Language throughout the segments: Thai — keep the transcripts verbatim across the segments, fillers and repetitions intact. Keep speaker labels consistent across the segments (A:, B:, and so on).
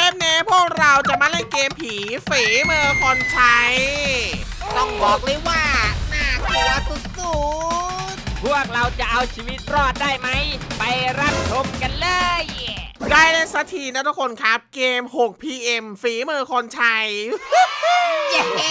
A: ปนี้พวกเราจะมาเล่นเกมผีฝีมือคนใช้
B: ต้องบอกเลยว่าน่ากลัวสุด
C: พวกเราจะเอาชีวิตรอดได้ไหม ไปรับชมกันเลย
A: ได้เล่นสักทีนะทุกคนครับเกม หก พี เอ็ม ฝีมือคนใช้
B: ๆเย้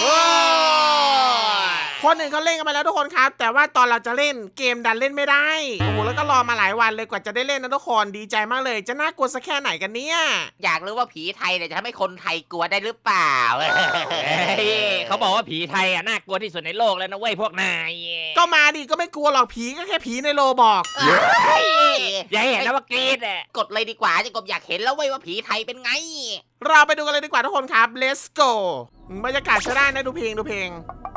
A: คนหนึ่งเขาเล่นกันมาแล้วทุกคนครับ แต่ว่าตอนเราจะเล่นเกมดันเล่นไม่ได้โอ้โหแล้วก็รอมาหลายวันเลยกว่าจะได้เล่นนะทุกคนดีใจมากเลยจะน่ากลัวสักแค่ไหนกันเนี่ย
B: อยากรู้ว่าผีไทยเนี่ยจะทำให้คนไทยกลัวได้หรือเปล่า
C: เฮ้ยเขาบอกว่าผีไทยอ่ะน่ากลัวที่สุดในโลกแล้วนะเว้ยพวกนาย
A: ก็มาดิก็ไม่กลัวหรอกผีก็แค่ผีในโลบอก
C: อย่าเห็นนะว่ากรีดอ่ะ
B: กดเลยดีกว่าจะกบอยากเห็นแล้วเว้ยว่าผีไทยเป็นไง
A: เราไปดูกันเลยดีกว่าทุกคนครับ let's go บรรยากาศใช้ได้นะดูเพลงดูเพลง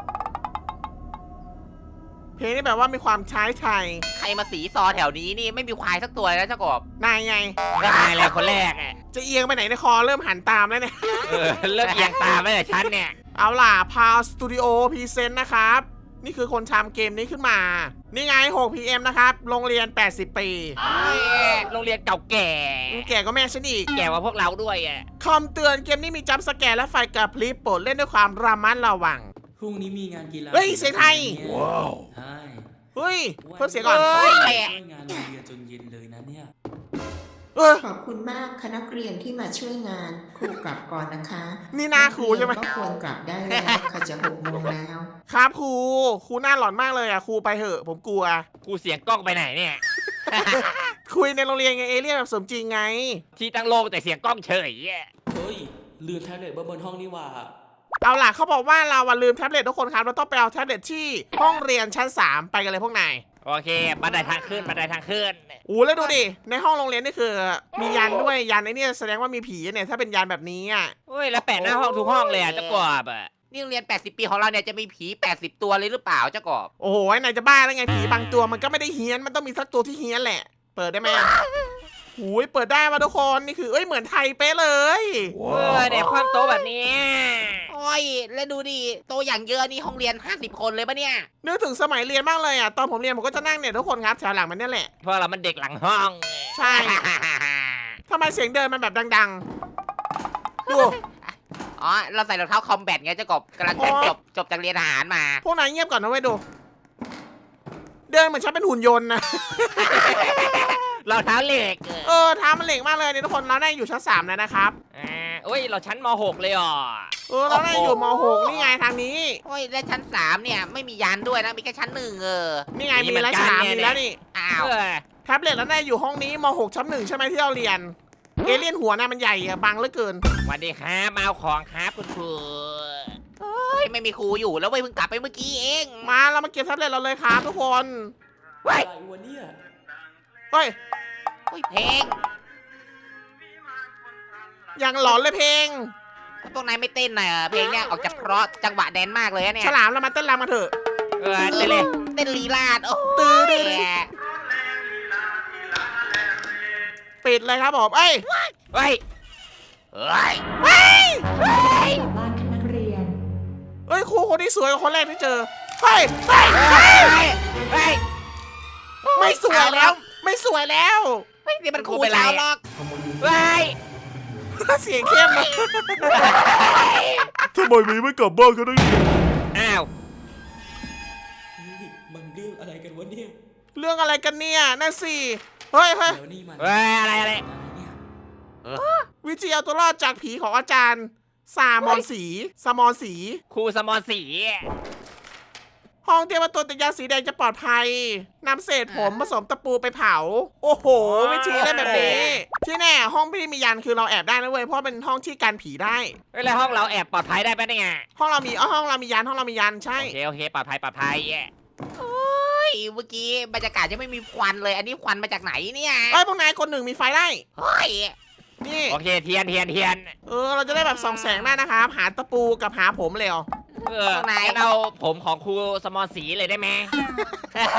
A: เพลงนี่แบบว่ามีความใช้ไทย
B: ใครมาสีซอแถวนี้นี่ไม่มีควายสักตัวเลยนะเจ้ากบ
A: นายไง
C: นายเลยคนแรกอ่ะ
A: จะเอียงไปไหนในคอเริ่มหันตามแล้วเนี่ย
C: เออเริ่มเอียงตามแล้วแต่ฉันเนี่ย
A: เอาล่ะพาวสตูดิโอพรีเซนต์นะครับ นี่คือคนทำเกมนี้ขึ้นมา นี่ไง หก พี เอ็ม นะครับ โรงเรียน แปดสิบ ปี
C: โรงเรียนเก่าแก่
A: แก่ก็แม่ฉันอีก
C: แก่กว่าพวกเราด้วยอ่ะ
A: คอมเตือนเกมนี้มีจัมป์สแกร์และไฟกระพริบโปรดเล่นด้วยความระมัดระวัง
D: พรุ่งนี้มีงานกีฬา
A: เฮ้ยเสียงไทย
D: ว้าวใช่
A: เฮ้ยเพิ่มเสียงก่อน
C: เฮ้ย
D: ช่วยงานโรงเรียนจนเย็นเลยนะเนี่ย
A: เออ
E: ขอบคุณมากคณะเรียนที่มาช่วยงานครูกลับก่อนนะคะ
A: นี่หน้าครูใช่ไหม
E: นักเรียนก็ควรกลับได้แล้วค่ะจะหกโมงแล้ว
A: ครับครูครูหน้าหลอนมากเลยอ่ะครูไปเถอะผมกลัว
C: กูเสียงกล้องไปไหนเนี่ย
A: คุยในโรงเรียนไงเอเลี่ยนแบบสมจริงไง
C: ที่ตั้งโลกแต่เสียงกล้องเฉยอ่ะ
D: เฮ้ยลืมแท็บเล็ตไว้บนห้องนี่หว่า
A: เอาล่ะเขาบอกว่าเราอะลืมแท็บเล็ตทุกคนครับเราต้องไปเอาแท็บเล็ตที่ห้องเรียนชั้นสามไปกันเลยพวกนาย
C: โอเคบันไดทางขึ้นบันไดทางขึ้น
A: อู้แล้วดูดิในห้องโรงเรียนนี่คือ มียันด้วยยันไอ้เนี่ยแสดงว่ามีผีเนี่ยถ้าเป็นยันแบบนี้อ่ะ
C: เฮ้ยแล้วแปะหน้าห้องทุกห้องเลยอ่ะเจ้ากบอ่ะ
B: นี่โรงเรียนแปดสิบปีของเราเนี่ยจะมีผีแปดสิบตัวเลยหรือเปล่าเจ้ากบ
A: โอ้โหนายจะบ้าแล้วไงผีบางตัวมันก็ไม่ได้เฮี้ยนมันต้องมีสักตัวที่เฮี้ยนแหละ เปิดได้ไหมโอ้ยเปิดได้มาทุกคนนี่คือเอ้ยเหมือนไทยเป๊ะเลย
C: เออเนี่ยความโตแบบนี้
B: โอ้ยแล้วดูดิโตอย่างเยอะนี่ห้องเรียนห้าสิบคนเลยปะเนี่ย
A: นึกถึงสมัยเรียนมากเลยอ่ะตอนผมเรียนผมก็จะนั่งเนี่ยทุกคนครับแถวหลังมันเนี่ยแหละ
C: เพราะเรามันเด็กหลังห้อง
A: ใช่ทำไมเสียงเดินมันแบบดังๆดู
B: อ๋อเราใส่รองเท้าคอมแบทไงเจ้ากบกำลังจะจบจบจากเรียนทหารมา
A: พวกนายเงียบก่อนนะเว้ยดู เดินเหมือนฉันเป็นหุ่นยนต์นะ
C: เราเท้าเหล็ก
A: เออเท้ามันเหล็กมากเลยเนี่ยทุกคนเราได้อยู่ชั้นสามแล้วนะครับ
C: อ่าโอ้ยเราชั้นม หก เลยอ่ะ
A: เออเราได้อยู่ม หกนี่ไงทางนี้
B: โอ้ยและชั้นสามเนี่ยไม่มียานด้วยนะมีแค่ชั้นหนึ่งเออ
A: นี่ไงมีแล้วสามมีแล้วนี่
B: อ้าว
C: เออ
A: แท็บเล็ตแล้วได้อยู่ห้องนี้ม หก ชั้นหนึ่งใช่ไหมที่เราเรียน เอเลี่ยนหัวน่ะมันใหญ่อะบังเหลือเกิน
C: สวัสดีครับมาเอาของครับคุณครู
B: เฮ้ยไม่มีครูอยู่แล้วเว้ยเพิ่งกลับไปเมื่อกี้เอง
A: มาเรามาเก็บแท็บเล็ตเราเลยครับทุกคน
D: อะไรวะเนี่ย
A: เฮ้ย
B: โอ้ยเพลง
A: อย่างหลอนเลยเพลง
B: พวกนายไม่เต้นหน่อยเหรอเพลงเนี่ยออกจากเพราะจังหวะแดนมากเลยอะเนี่ย
A: ฉลามเรามาเต้นรำมาเถอะ
C: เออเต้นเลย
B: เต้นลีลาดโอ้
A: ตื้อดื้
B: ย
A: อ ปิดเลยครับผมเอ้ย
C: เฮ้ย
B: เฮ้ย
A: เฮ้ย
E: บ้านนักเรียน
A: เอ้ยครูคนนี้สวยกว่าคนแรกที่เจอ เฮ้ยเฮ้ย
B: เฮ้ย
C: เฮ้ย
A: ไม่สวยแล้ว ไม่สวยแล้ว
B: เฮ้ยนี่มันครู
C: ครูเป็นไร
B: ชาวล็อก
C: เฮ้ย
A: เสียงเข้มนะทำไมมีไม่กลับบ้านกันได้
C: อ้าว
D: เฮ้ยมันเรื่องอะไรกันวะเนี่ย
A: เรื่องอะไรกันเนี่ยนั่นสิเฮ้ยเฮ้ย
D: แล้วนี่มัน
C: เฮ้ยอะไรอะไร
D: อะไรเนี่ย
A: วิธีเอาตัวรอดจากผีของอาจารย์ซามอนสีซามอนสี
C: ครูสมอสี
A: ห้องเตรียมตัวติดยาสีแดงจะปลอดภัยนำเศษผมผสมตะปูไปเผา โอ้โห วิธีเล่นแบบนี้ ที่แน่ห้องที่มียันคือเราแอบได้นะเว้ยเพราะเป็นห้องที่กันผีได้
C: เฮ้ยแล้วห้องเราแอบปลอดภัยได้ปะเนี่ย
A: ห้องเรามีอ๋อห้องเรามียันห้องเรามียันใช่
C: โอเคโอเคปลอดภัยปลอดภัย
B: เฮ้ยเมื่อกี้บรรยากาศยังไม่มีควันเลย อันนี้ควันมาจากไหนเนี่ย
A: ไอ้ยพวกนายคนหนึ่งมีไฟได้
B: เฮ้ย
A: นี่
C: โอเคเทียนเทียนเทียน
A: เออเราจะได้แบบส่องแสงได้นะครับหาตะปูกับหาผมเลยเหรอ
C: เอองั้นเอาผมของครูสมอสีเลยได้ไหม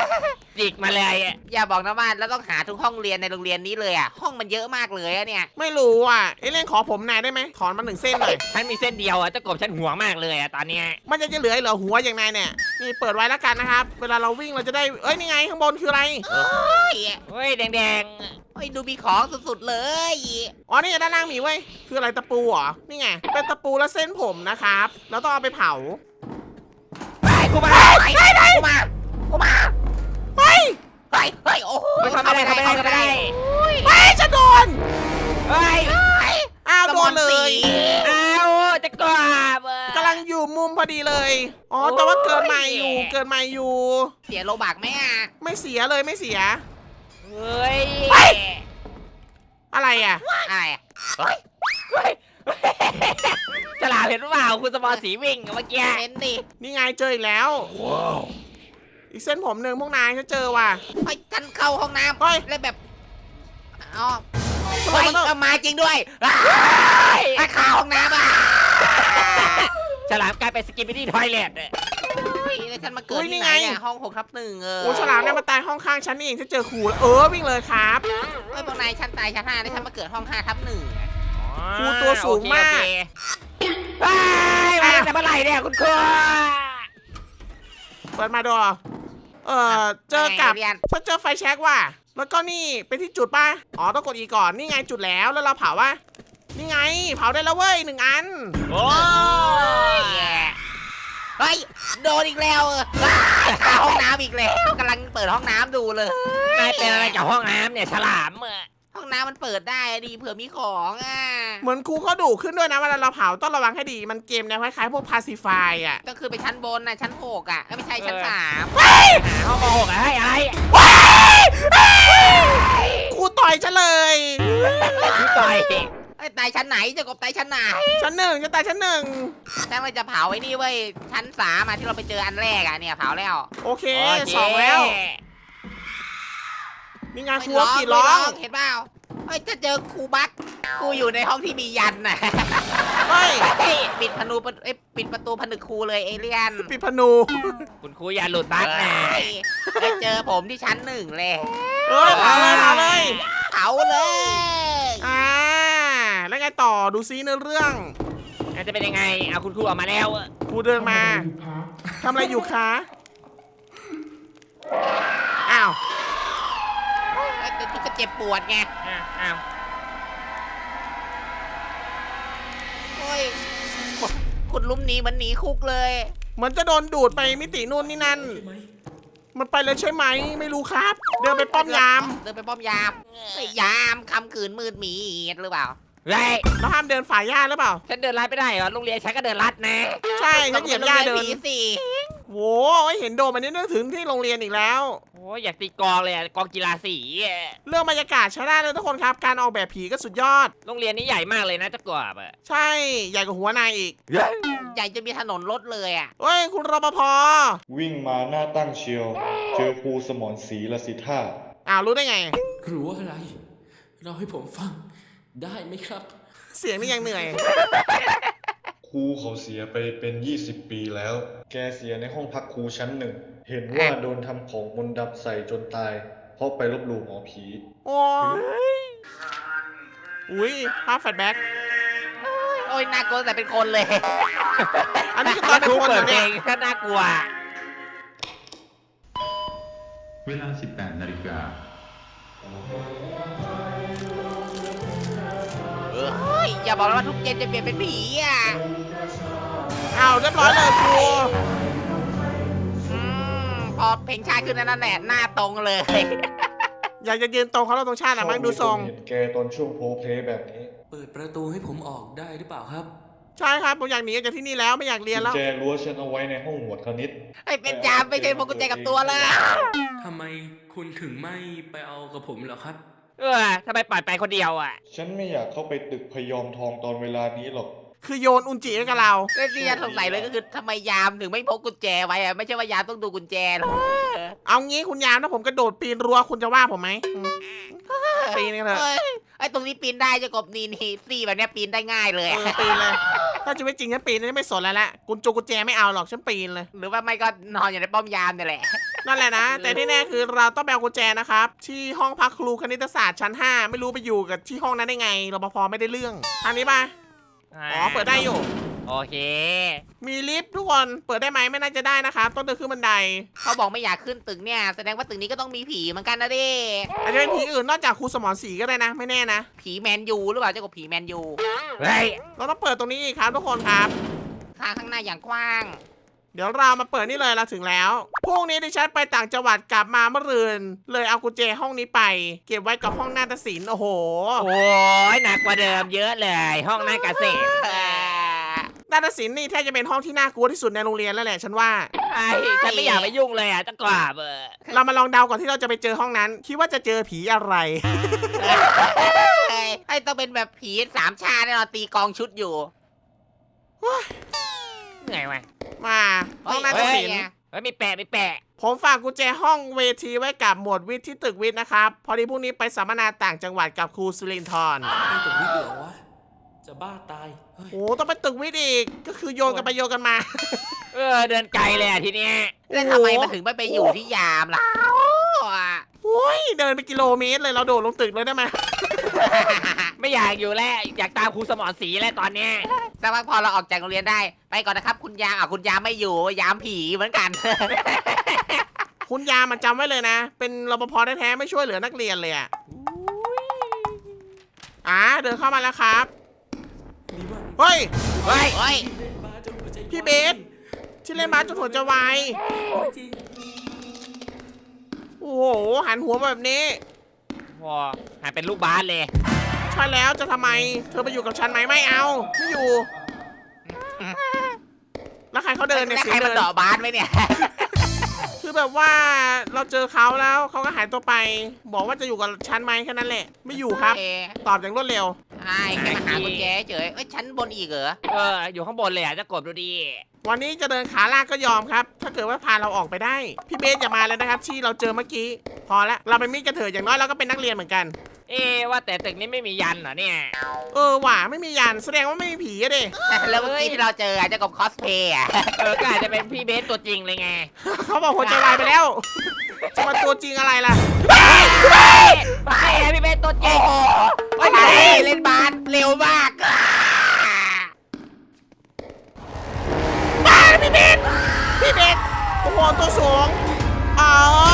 C: จิกมาเลยอะ
B: อย่าบอกนะว่าเราต้องหาทุกห้องเรียนในโรงเรียนนี้เลยอ่ะห้องมันเยอะมากเลยอะเนี่ย
A: ไม่รู้อ่ะเอเลี่ยนขอผมนายได้ไหมถอนมาหนึ่งเส้นหน่อย
C: ฉันมีเส้นเดียวอะเจ้ากบฉันห่วงมากเลยอะตอนเนี้ย
A: มันจะจะเหลือเหรอหัวอย่างนายเนี่ยนี่เปิดไว้แล้วกันนะครับเวลาเราวิ่งเราจะได้เอ้ยนี่ไงข้างบนคืออะไร
B: เฮ้ย
C: เฮ้ยแดง
B: เฮ้ยดูมีของสุดๆเลย
A: อ๋อนี่ด้านล่างมีเว้ยคืออะไรตะปูเหรอนี่ไงเป็นตะปูและเส้นผมนะครับแล้วต้องเอาไปเผา
C: ๆไปกูมา
B: ไปไปกูมากูมา
A: เฮ้ย
B: เฮ้ยเฮ้ยโอ้โห
C: ไม่ทำไม่ได้ทำไม่ได้ทำไม่ได้
A: เฮ้ยจะโดน
C: เฮ้ย
A: อ้าวโดนเลย
C: เอาเจะกบอะ
A: กำลังอยู่มุมพอดีเลยอ๋อแต่ว่าเกินมาอยู่เกินมาอยู่
B: เสียโลบักไหมอ่ะ
A: ไม่เสียเลยไม่เสีย
C: เฮ้ย
A: อะไรอ่ะ
B: อะไรอะเฮ้ย
C: เฮ้ยฉลาดเห็นหรือเปล่าคุณสมอสีวิ่งเมื่อกี้
B: เห็นดิ
A: นี่ไงเจออีกแล้วอีกเส้นผมหนึ่งพวกนายฉันเจอว่ะ
B: เฮ้ยฉันเข้าห้องน้
A: เฮ้ย
B: ำแล้วแบบอ๋อ
A: ทำไม
B: เฮ้ย
A: มันต้อง
B: ก็มาจริงด้วยอ้าวถ้าเข้าห้องน้ำอ่ะ
C: ฉลามกลายเป็นสกิปปี้ดี้ทอยเลท
B: เฮ้ยแล้วฉันมาเกิดที่ไหนเนี่ยห้องหกทับหนึ่งเออ
A: โอ้ฉลามเนี่ยมาตายห้องข้างฉันนี่เองฉันเจอครูแล้วเออวิ่งเลยครับ
B: เฮ้ยพวกนายชั้นตายชั้นห้าแล้วฉันมาเกิดห้องห้าทับหนึ่งอะ
A: ครูตัวสูงมาก
C: โอเคโอเคเฮ้ยมาตั้งแต่เมื่อไหร่เนี่ยคุณครู
A: เปิดมาดูเออเจอกับฉันเจอไฟแช็กว่ะแล้วก็นี่เป็นที่จุดป่ะอ๋อต้องกดอีก่อนนี่ไงจุดแล้วแล้วเราเผาว่ะนี่ไงเผาได้แล้วเว้ยหนึ่งอัน
C: โอ้
B: เฮ้ยโดนอีกแล้วเออเข้าห้องน้ำอีกแล้วกำลังเปิดห้องน้ำดูเลย
C: นายเป็นอะไรกับห้องน้ำเนี่ยฉลามอะ
B: ห้องน้ำมันเปิดได้อะดีเผื่อมีของอ่ะ
A: เหมือนครูเขาดุขึ้นด้วยนะเวลาเราเผาต้องระวังให้ดีมันเกมแนวคล้ายๆพวกพาซิฟายอ่ะ
B: ก็คือไปชั้นบนนะชั้นหกอ่ะเอ้ยไม่ใช่ชั้นสาม
C: หาห้องมหกอะไรอะไร
A: ครูต่อยฉันเลย
C: คือต่อย
B: ไอ้ยตายชั้นไหนเจะกบตายชั้นไหน
A: ชั้นหนึ่งจะตายชั้นหนึ่ง
B: ฉันว่าจะเผาไอ้นี่เว้ยชั้นสามอ่ะที่เราไปเจออันแรกอ่ะเนี่ยเผาแล้ว
A: โอเค
C: โอเค
A: สองแล้วมีงานครูกี่ร้อง
B: เห็นเปล่าเฮ้ยจะเจอครูบักครูอยู่ในห้องที่มียันน่ะ
A: เฮ้ย
B: เฮ้ยปิดพนูเอ้ยปิดประตูผนึกครูเลยเอเลี่ยน
A: ปิดพนู
C: คุณครูอย่าหลุดบั๊กนะ
B: เฮ้ยไปเจอผมที่ชั้นหนึ่งเลย
A: เฮ้ยเผาเลยเผาเลย
B: เผาเลย
A: อ่าแล้วไงต่อดูซิเนื้อเรื่อง
C: อาจจะเป็นยังไงเอาคุณครูออกมาแล้วอะ
A: ครูเดินมาทำอะไรอยู่คะอ้าว
B: แต่ที่ก็เจ็บปวดไง
C: อ่ะอ้าว
B: โอ้ยคุณลุ้มหนีเหมันหนีคุกเลย
A: เหมือนจะโดนดูดไปมิตินู่นนี่นั่น
D: ใช่ไหม
A: มันไปเลยใช่ไหมไม่รู้ครับ เดินไปป้อมยาม
B: เดินไปป้อมยามเฮ้ยยามคำขืนมืดหมีหรือเปล่า
C: เฮ้ย
A: แล้วห้ามเดินฝ่ายหญ้าหรือเปล่า
C: ฉันเดินลัดไม่ได้เหรอโรงเรียนฉันก็เดินลัดนะ
A: ใช่ฉันเหยียบหญ้าเดิน
B: ผีสิ
A: โว้ยเห็นโดมอันนี้นึกถึงที่โรงเรียนอีกแล้ว
C: โอ้ยอยากตีกลองเลยอะกลองกีฬาสีอะ
A: เรื่องบรรยากาศใช้ได้เลยทุกคนครับ การออกแบบผีก็สุดยอด
C: โรงเรียนนี้ใหญ่มากเลยนะเจะกบอะ
A: ใช่ ใหญ่กว่าหัวนายอีก
B: ใหญ่จะมีถนนรถเลยอ่ะ
A: เฮ้ย คุณรปภ
F: วิ่งมาหน้าตั้งเชียว เจอครูสมรศรีละสิท่า
A: อ้าวรู้ได้ไง
D: รู้อะไร เราให้ผมฟัง ได้ไหมครับ
A: เสียงนี่ยังเหนื่อย
F: ครูเขาเสียไปเป็นยี่สิบปีแล้ว แกเสียในห้องพักครูชั้นหนึ่ง เห็นว่าโดนทำของมนต์ดำใส่จนตาย เพราะไปลบหลู่หมอผี
A: โอ้ยอุ้ยภาพแฟลชแบ็ก
B: โอ้ยน่ากลัวแต่เป็นคนเลย
A: อันนี้คือตอนเป็นคนเหร
C: เปิ
A: อ
C: ดเพล
A: เนี่ย
C: งก็น่ากลัว
G: เวลา สิบแปด นาฬิกา
B: เฮ้ยอย่าบอกนะว่าทุกเย็นจะเปลี่ยนเป็นผีอ่ะ
A: อ้าวเรียบร้อยเลยครู
B: อืมพอเพลงชาติขึ้นนั่นแหละหน้าตรงเลย
A: อยากจะยืนตรงเขาเราตรงชาติอะมั้งดูทรง
F: เห็นแกตอนช่วงโพลเพลย์แบบนี้
D: เปิดประตูให้ผมออกได้หรือเปล่าครับ
A: ใช่ครับผมอยากหนีออกจากที่นี่แล้วไม่อยากเรียน
F: กุญ
A: แล้ว
F: แจรั้วฉันเอาไว้ในห้องหมวดคณิต
B: ไอ้เป็นจามไม่ใช่พวกกุญแจกับตัวเลย
D: ทำไมคุณถึงไม่ไปเอากับผมเหรอครับ
C: เออทำไมปล่อยไปคนเดียวอะ
F: ฉันไม่อยากเข้าไปตึกพยอมทองตอนเวลานี้หรอก
A: คือโยนอุนจิให้กับเรา
B: แล้วที่ฉันสงสัยเลยก็คือทำไไมยามถึงไม่พกกุญแจไว้อะไม่ใช่ว่ายามต้องดูกุญแจหรอ
A: เอางี้คุณยามถ้าผมกระโดดปีนรั้วคุณจะว่าผมไหมอืมปีนกันเถอะ
B: เอ้ยไอ้ตรงนี้ปีนได้เจะกบนี่นี่ซี่แบบเนี้ยปีนได้ง่ายเลย
A: เอ
B: อะ
A: อปีนเลย ถ้าจะไม่จริงฉันปีนฉันไม่สนแล้วแหละกุญจงกุญแจไม่เอาหรอกฉันปีนเลย
B: หรือว่าไม่ก็นอนอยู่ในป้อมยามเนี่ยแหละ
A: นั่นแหละนะ แต่ที่แน่คือเราต้องไปเอากุญแจนะครับ ที่ห้องพักครูคณิตศาสตร์ชั้นห้าไม่รู้ไปอยู่กับที่ห้องนั้นได้ไงรปภไม่ได้เรื่องทางนี้ป่ะอ๋อเปิดได้อยู่
C: โอเค
A: มีลิฟต์ทุกคนเปิดได้ไหมไม่น่าจะได้นะครับต้องเดินขึ้นบันได
B: เขาบอกไม่อยากขึ้นตึกเนี่ยแสดงว่าตึกนี้ก็ต้องมีผีเหมือนกันนะดิ
A: อาจจะเป็นผีอื่นนอกจากครูสมรศรีก็ได้นะ ไม่แน่นะ
B: ผีแมนยูหรือเปล่าเจ้ากับผีแมนยู
C: เฮ้ย
A: เราต้องเปิดตรงนี้อีกครับทุกคนครับ
B: ทางข้างหน้าอย่างกว้าง
A: เดี๋ยวเรามาเปิดนี่เลยเราถึงแล้วพรุ่งนี้ดิฉันไปต่างจังหวัดกลับมาเมื่อรืนเลยเอากุญแจห้องนี้ไป เก็บไว้กับห้องนาฏศิลป์โอ้โห
C: โอ้ยหนักกว่าเดิมเยอะเลย ห้องหน้าเกษตร
B: เออ
A: นาฏศิลป์นี่แทบจะเป็นห้องที่น่ากลัวที่สุดในโรงเรียนแล้วแหละฉันว่า
C: ไอ้ฉันไม่อยากไปยุ่งเลยอ่ะจะกราบเออ
A: เรามาลองเดาก่อนที่เราจะไปเจอห้องนั้น คิดว่าจะเจอผีอะไร
B: เฮ้ยไอ้ต้องเป็นแบบผีสามชาแน่นอนตีกองชุดอยู่
C: เหนื่อยว่ะ
A: มาห้องนาฏศิลป์
C: เฮ้ยมีแปะมีแปะ
A: ผมฝากกุญแจห้องเวทีไว้กับหมวดวิทย์ที่ตึกวิทย์นะครับ พอดีพรุ่งนี้ไปสัมมนาต่างจังหวัดกับครูสุรินทร์
D: นี่ตึกวิทย์เหรอวะ จะบ้าตาย เฮ้ย
A: โอ้ต้องไปตึกวิทย์อีก ก็คือโยนกันไปโยนกันมา
C: เออเดินไกลเลยอ่ะทีเนี้ย
B: แล้วทำไมมันถึงไม่ไปอยู่ที่ยามล่ะ
A: โอ้ยเดินไปกิโลเมตรเลยเราโดดลงตึกเลยได้ไหม
C: ไม่อยากอยู่แล้วอยากตามครูสมรศรีแล้วตอนเนี้ย
B: สักพักพอเราออกจากโรงเรียนได้ ไปก่อนนะครับ คุณยามอ่ะคุณยามไม่อยู่ยามผีเหมือนกัน
A: คุณยามันจำไว้เลยนะ เป็นรปภแท้ๆไม่ช่วยเหลือนักเรียนเลยอ่ะอ่าเดินเข้ามาแล้วครับ
D: ดีมาก
A: เฮ้ย
C: เฮ้ย
B: เฮ้ย
D: เล่นบ้าจนหัวใจ
A: พี่เบส ที่เล่นบาสจนหัวจะวาย
D: ไม่จริง
A: โอ้โหหันหัวมาแบบนี้
C: พอหายเป็นลูกบาสเลย
A: ใช่แล้วจะทำไม เธอไปอยู่กับฉันไหมไม่เอาไม่อยู่ แล้วใครเขาเดินเนี่ย
B: แล้ว
A: เสี
B: ใคร
A: ยง
B: มา
A: เดิน
B: เดาะบ้านไหมเนี่ย
A: คือแบบว่าเราเจอเขาแล้วเขาก็หายตัวไป บอกว่าจะอยู่กับฉันไหมแค่นั้นแหละ ไม่อยู่ครับ
B: เอ๊ะ
A: ตอบอย่างรวดเร็ว
B: ใช่แค่มาหากุญแจเฉยเอ้ยชั้นบนอีกเหรอ
C: เอออยู่ข้างบนเลยอ่ะจะกบดูดี
A: วันนี้จะเดินขาลากก็ยอมครับ ถ้าเกิดว่าพาเราออกไปได้ พี่เบสอย่ามาเลยนะครับ ที่เราเจอเมื่อกี้ พอละเราเป็นมิตรกันเถอะอย่างน้อยเราก็เป็นนักเรียนเหมือนกัน
C: เอ๊ะว่าแต่ตึกนี้ไม่มียันเหรอเนี่ย
A: เออหว่าไม่มียันแสดงว่าไม่มีผีอะเด้
B: แล้วเมื่อกี้ที่เราเจออ่ะเจ้ากบคอสเพย์อ่ะ
C: เออก็อาจจะเป็นพี่เบสตัวจริงเลยไง
A: เขาบอกหัวใจวายไปแล้ว จะมาตัวจริงอะไรล่ะ
C: ไปพี่เบสตัวจริง
B: โอ้ยเล่นบาสเร็วมาก
A: บ้าพี่เบสพี่เบสโอ้โหตัวสูงอ๋อ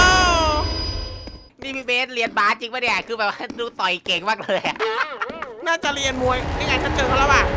B: นี่พี่เบสเรียนบาสจริงปะเนี่ยคือแบบว่าดูต่อยเก่งมากเลยอะ
A: น่าจะเรียนมวยนี่ไงฉันเจอเขาแล้วว่ะ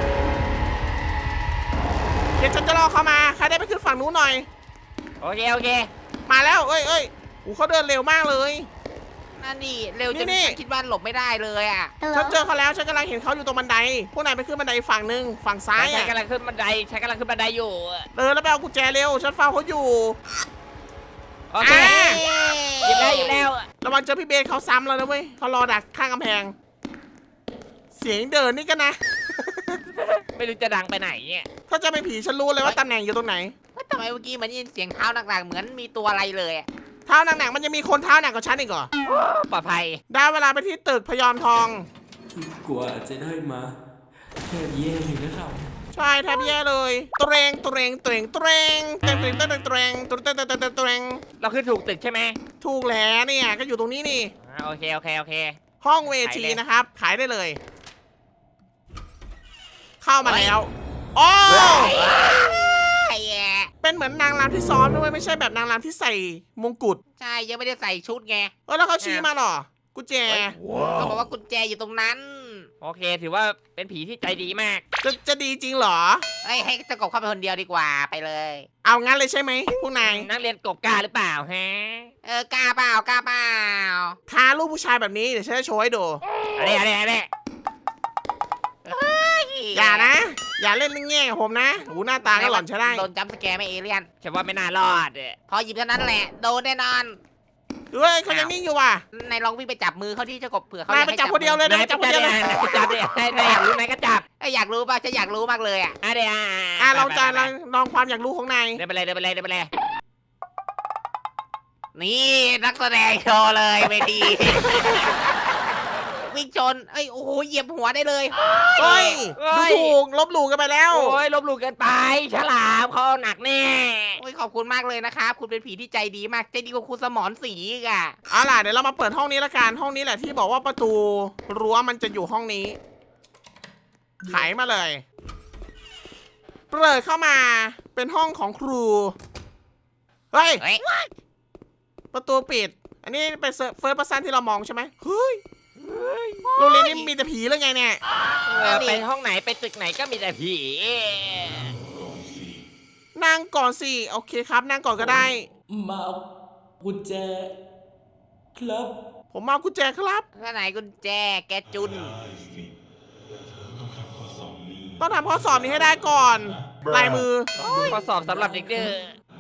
A: เดี๋ยวฉันจะรอเขามาใครได้ไปขึ้นฝั่งนู้นหน่อย
C: โอเคโอเค
A: มาแล้วเอ้ยเอ้ยโอ้เขาเดินเร็วมากเลย
B: นั่นนี่เร็วจน
A: นี่
B: ฉันคิดว่าหลบไม่ได้เลยอ่ะ
A: ฉันเจอเขาแล้วฉันกำลังเห็นเขาอยู่ตรงบันไดพวกนายไปขึ้นบันไดอีกฝั่งหนึ่งฝั่งซ้าย
C: ใช้
A: อ่ะ
C: กำลังขึ้นบันไดใช้กำลังขึ้นบันไดอยู่
A: เออแล้วไปเอากุญแจเร็วฉันเฝ้าเขาอยู่
C: โอเค
A: อ่ะ
C: หยิบแล้วหยิบแล้ว
A: ระวังเจอพี่เบสเขาซ้ำแล้วนะเว้ยเขารอดักข้างกำแพง เสียงเดินนี่กันนะ
C: ไม่รู้จะดังไปไหนเนี่ย
A: ถ้าจะเป็นผีฉันรู้เลยว่าตำแหน่งอยู่ตรงไหน
B: เฮ้ยทำไมเมื่อกี้เหมือนได้ยินเสียงเท้าหนักๆเหมือนมีตัวอะไรเลยอะ
A: เท้าหนักๆมันจะมีคนเท้าหนักกว่าฉันอีกเหรอ
C: ปลอดภัย
A: ได้เวลาไปที่ตึกพยอมทอง
D: กว่าจะได้มาแค่แย่อยู่นะครับ
A: ใช่แทบแย่เลยตเรงตเรงตเรงตเรงเตรงเตรงเตรงเตรงเตรงเตรงเตรงเตรงเตรงเตรง
C: เราขึ้นถูกตึกใช่ไหม
A: ถูกแล้วเนี่ยก็อยู่ตรงนี้นี่
C: อ่าโอเคโอเคโอเค
A: ห้องเวทีนะครับ ขายได้เลย เข้ามาแล้วโอ้
B: ไอ้แย่
A: เป็นเหมือนนางรำที่ซ้อมด้วยไม่ใช่แบบนางรำที่ใส่มงกุฎ
B: ใช่ยังไม่ได้ใส่ชุดไง
A: เออแล้วเขาชี้มาเหรอกุญแจ
B: เขาบอกว่ากุญแจอยู่ตรงนั้น
C: โอเค ถือว่าเป็นผีที่ใจดีมาก
A: จะจะดีจริงเหรอ
B: เอ้ยให้เจ้ากบเข้าไปคนเดียวดีกว่าไปเลย
A: เอางั้นเลยใช่ไหมพวกนาย
C: นักเรียนกบกล้าหรือเปล่าฮะ
B: เออกล้าเปล่ากล้าเปล่า
A: ท้าลูกผู้ชายแบบนี้เดี๋ยวฉันจะโชว์ให้ดู
C: อะไรอะไรอะไร
A: อย่านะ อย่าเล่นแง่กับผมนะหูหน้าตาก็หล่อนใช้ได้
B: โดนจัมป์สแกร์ไหม่เอเลี่ยน
C: ฉันว่าไม่น่ารอดอะ
B: พอหยิบเท่านั้นแหละโดนแน่นอน
A: เฮ้ยเขายังนิ่งอยู่ว่ะ
B: นายลองวิ่งไปจับมือเขาที่เจ้ากบเผื่อเขา
A: นาย
B: อยาก
A: ไป
B: ให้
A: จับคนเดียวเลย
C: นายจับเลยนายจับเลยนายอยากรู้นายก็จับ
B: เอ้ยอยากรู้ป่ะฉันอยากรู้มากเลยอ่ะ
C: อ่ะเดี๋ยว
A: อ่ะเราจะลองลองความอยากรู้ของนาย
C: เดินไปเลยเดินไปเลยเดินไปเลย
B: นี่นักแสดงโชว์เลยเวทีวิ่งชนเอ้ยโอ้โหเหยียบหัวได้เลย
A: เฮ้ย
C: เฮ้
A: ดู
C: ย
A: ถูกลบหลู่กันไปแล้ว
C: โอ้ยลบหลู่เกินไป ฉลามเขาเอาหนักแน่
B: โอ้ยขอบคุณมากเลยนะครับคุณเป็นผีที่ใจดีมากใจดีกว่าคุณสมอนสีอีกอะ
A: เอาล่ะเดี๋ยวเรามาเปิดห้องนี้ละกันห้องนี้แหละที่บอกว่าประตูรั้วมันจะอยู่ห้องนี้ไขมาเลยเปิดเข้ามาเป็นห้องของครูเฮ้ย
B: เฮ้ย
A: ประตูปิด อันนี้เป็นเฟิร์สเพอร์ซันที่เรามองใช่ไหมเฮ้ยโรงเรียนนี้มีแต่ผีหรือไงเนี่ย
C: เออไปห้องไหนไปตึกไหนก็มีแต่ผี
A: นั่งก่อนสิโอเคครับนั่งก่อนก็ได้
D: มาเอากุญแจครับ
A: ผมมาเอากุญแจครับ
B: ข้างไหนกุญแจแกจุน
A: ต้องทำข้อสอบนี้ให้ได้ก่อนลายมือ
C: ข้อสอบสำหรับเด็กเด้อ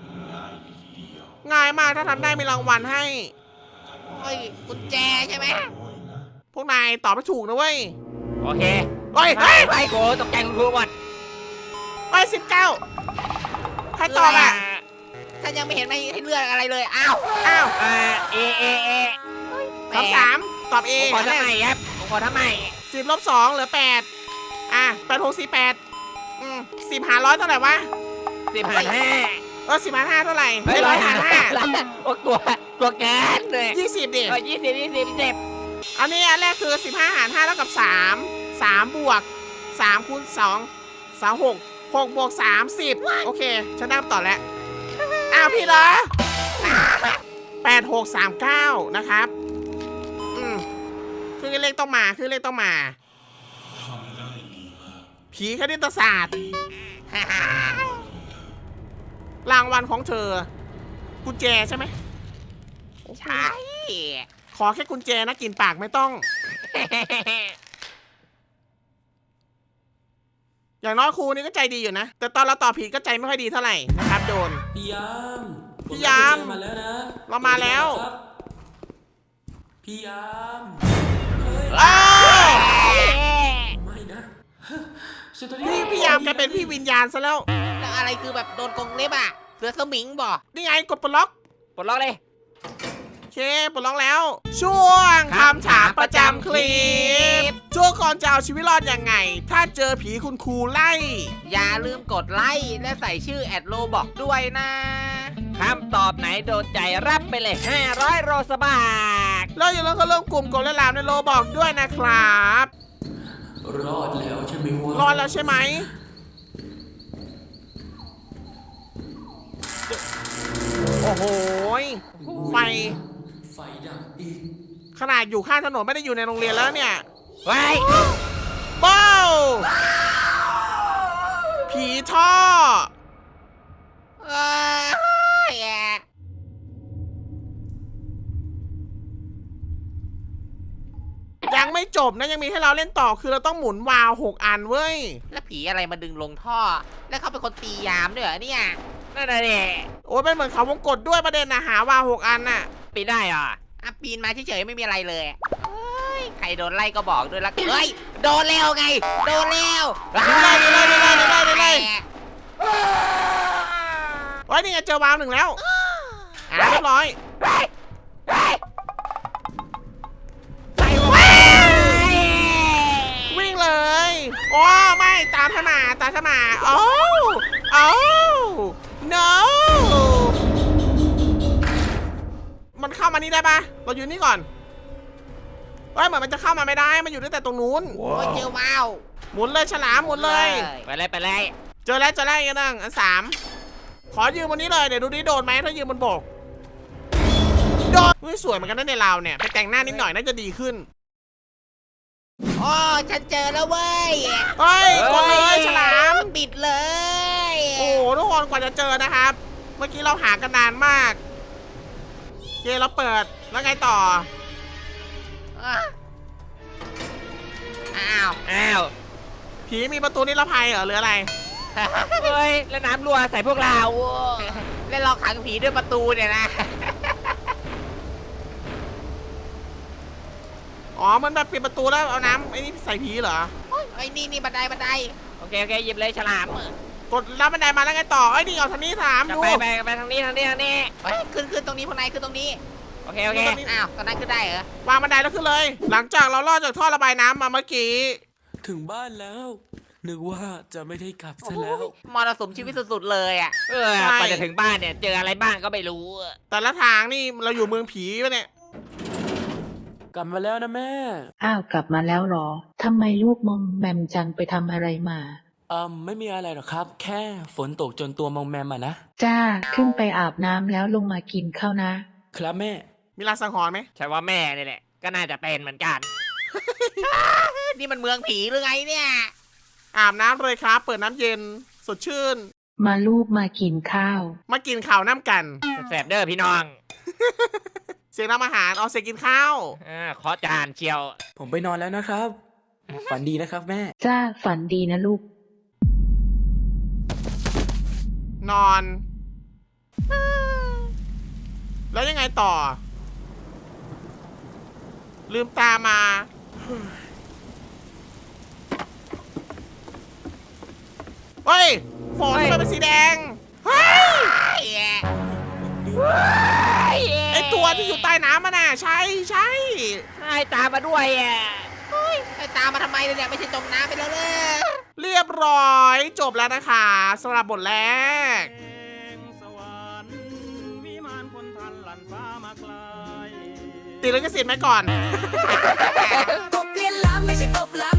A: ง่ายมากถ้าทำได้มีรางวัลให้
B: เฮ้ยกุญแจใช่ไหม
A: พวกนายตอบไม่ถูกนะเว้ย
C: โอเค
A: เฮ้ย
C: ไป
A: เฮ้ย
C: ไปโกตกใจคุณครูหมด
A: เฮ้ยสิบเก้าใครตอบอ่ะ
B: ฉันยังไม่เห็นไม่ให้เลือกอะไรเลยอ้าว
A: อ้าว
C: อ่าเอเอเอ
A: สามสามตอบเอ
C: ผมขอทำไมครับผมขอทำไม
A: สิบลบสองเหลือแปดอ่ะแปดหกสี่แปดอืมสิบหารร้อยเท่าไหร่วะ
C: สิบหารห้า
A: เออสิบหารห้าเท่าไหร่
C: เฮ้ย
A: ร้อยหารห้า
C: โอ้ตัวตัวแกนเลย
A: ยี่สิบดิ
C: เออยี่สิบยี่สิบยี่สิบ
A: อันนี้อันแรกคือสิบห้าหารห้าเท่ากับสามสามบวกสามคูณสองสามหกหกบวกสามสิบโอเคฉันนับต่อแล้วอ้าวพี่เหรอแปดหกสามเก้านะครับอืมคือเลขต้องมาคือเลขต้องมาผีคณิตศาสตร์ รางวัลของเธอ กุญแจใช่ไหม
B: ใช่
A: ขอแค่กุญแจนะกินปากไม่ต้อง อย่างน้อยครูนี่ก็ใจดีอยู่นะ แต่ตอนเราตอบผิดก็ใจไม่ค่อยดีเท่าไหร่นะครับโดน
D: พี่ยาม
A: พี่ยาม
D: ผได้กุญแจมาแล้วนะ
A: เรามาแล้ว
D: ครับพี่ยามเฮ้ย
A: อ้าว
D: ไม่นะฉันตอนนี้
A: พี่พี่ยามแกเป็นพี่วิญญาณซะแล้ว
B: แล้วอะไรคือแบบโดนกรงเล็บอ่ะเสือสมิงบ่
A: นี่ไงกดปลดล็อก
C: ปลดล็อกเลย
A: โอเคปลดล็อกแล้ว ช่วงคำถามประจำคลิปช่วงก่อนจะเอาชีวิตรอดยังไง ถ้าเจอผีคุณครูไล่
B: อย่าลืมกดไลค์และใส่ชื่อแอดโลบอกด้วยนะ
C: คำตอบไหนโดนใจรับไปเลยห้าร้อยโรสบาท
A: แล้วอย่าลืมเข้าร่วมกลุ่มกดและลามในโลบอกด้วยนะครับ
D: รอดแล้วใช่ไหมวะ
A: รอดแล้วใช่ไหมโอ้โหยไฟ
D: ไฟดับอีก
A: ขนาดอยู่ข้างถนนไม่ได้อยู่ในโรงเรียนแล้วเนี่ย
C: ไว้
A: บ้าวผีท่อ
B: เอ้ย
A: ยังไม่จบนะยังมีให้เราเล่นต่อคือเราต้องหมุนวาล์วหกอันเว้ย
B: แล้วผีอะไรมาดึงลงท่อ แล้วเขาเป็นคนตียามด้วยเหรอเนี่ย
C: นั่นน่ะดิ
A: โอ้ยเป็นเหมือนเขาวงกดด้วยประเด็นนะหาวาล์วหกอันน่ะ
C: ปีนได้เหรอ่ะ
B: อ่ะปีนมาเฉยๆไม่มีอะไรเลยเฮ้ยใครโดนไล่ก็บอกด้วยละเฮ้ยโดนแล้วไง โดนแล้ว
A: ได้เลยได้เลยได้เลยได้เลยโอ้ยนี่ไงเจอวาล์วหนึ่งแล้วอ่ะเรียบร้อย
B: ใส่ไว้
A: วิ่งเลย โอ้ไม่ตามฉันมาตามฉันมาโอ้โอ้ no มันเข้ามานี่ได้ปะเราอยู่นี่ก่อนเฮ้ยเหมือนมันจะเข้ามาไม่ได้มันอยู่ตั้งแต่ตรงนู้น
B: โอ้ยเจอว้าว
A: หมุนเลยฉลามหมุนเลย
C: ไปเลยไปเลย
A: เจอแล้วเจอแล้วอีกอันหนึ่งอันสามขอยืมวันนี้เลยเดี๋ยวดูดิโดนไหมถ้ายืมบนบกโดนเฮ้ยสวยเหมือนกันนะในเราเนี่ยไปแต่งหน้านิดหน่อยน่าจะดีขึ้น
B: อ๋อฉันเจอแล้วเว้ย
A: เฮ้ยกดเลยฉลาม
B: ปิดเลย
A: โอ้โหทุกคนกว่าจะเจอนะครับ เมื่อกี้เราหากันนานมากโอเคเราเปิดแล้วไงต่อ
B: อ่ะอ้าว
C: อ้าว
A: ผีมีประตูนิรภัยเหรอหรืออะไร
C: เฮ้ยแล้วน้ำรั่วใส่พวกเรา
B: แล้วเราขังผีด้วยประตูเนี่ยนะ
A: อ๋อมันแบบปิดประตูแล้วเอาน้ำไอ้นี่ใส่ผีเหรอ
B: ไอ้ยนี่นี่บันไดบันได
C: โอเคโอเคหยิบเลยฉลาม
A: กดรับบันไดมาแล้วไงต่อไอ้ยนี่เอาทางนี้ถาม
C: จะ
A: ดู
C: ไปไปไปทางนี้ทางนี้ทางนี้
B: เฮ้ยขึ้นขึ้นตรงนี้พวกนายขึ้นตรงนี้
A: โ
B: โอเคโอเคอ้าวตอนนั้นขึ้นได้เหรอ
A: วางบันไดแล้วขึ้นเลย หลังจากเราลอดจากท่อระบายน้ำมาเมื่อกี้
D: ถึงบ้านแล้ว นึกว่าจะไม่ได้กลับ
B: โอ้
D: ซะ
B: โห
D: แล้ว
B: มรสุมชีวิตสุดๆเลยอ่ะ
C: เออ
A: ใช่
C: กว่าจะถึงบ้านเนี่ยเจออะไรบ้างก็ไม่รู้
A: แต่ละทางนี่เราอยู่เมืองผีปะเนี่ย
D: กลับมาแล้วนะแม่
H: อ้าวกลับมาแล้วเหรอ ทำไมลูกมอมแมมจังไปทำอะไรมา
D: อืมไม่มีอะไรหรอกครับ แค่ฝนตกจนตัวมองแมมอะนะ
H: จ้า ขึ้นไปอาบน้ำแล้วลงมากินข้าวนะ
D: ครับแม่
A: มีลางสังหรณ์ไหม
C: ใช่ว่าแม่นี่แหละ ก็น่าจะเป็นเหมือนกัน
B: นี่มันเมืองผีหรือไงเนี่ย
A: อาบน้ำเลยครับ เปิดน้ำเย็นสดชื่น
H: มาลูกมากินข้าว
A: มากินข้าวน้ำกัน
C: แสบเด้อพี่น้อง
A: เสียงทำอาหารเอาเสียงกินข้าว
C: อ่าขอจานเชียว
D: ผมไปนอนแล้วนะครับ ฝันดีนะครับแม่
H: จ้า ฝันดีนะลูก
A: นอน แล้วยังไงต่อ ลืมตามา เฮ้ยฝนทำไมเป็นสีแดง เฮ้ย ไอตัวที่อยู่ใต้น้ำมันน่ะ ใช่ใช่
C: ให้ตามมาด้วยอ่ะ
B: ไอ้ตามมาทำไมเนี่ยไม่ใช่จมน้ำไปแล้วเลย
A: เรียบร้อยจบแล้วนะคะสำหรับบทแรก ติดลิขสิทธิ์ไหมก่อน
I: กบเลียนล้ำไม่ใช่กบล้ำ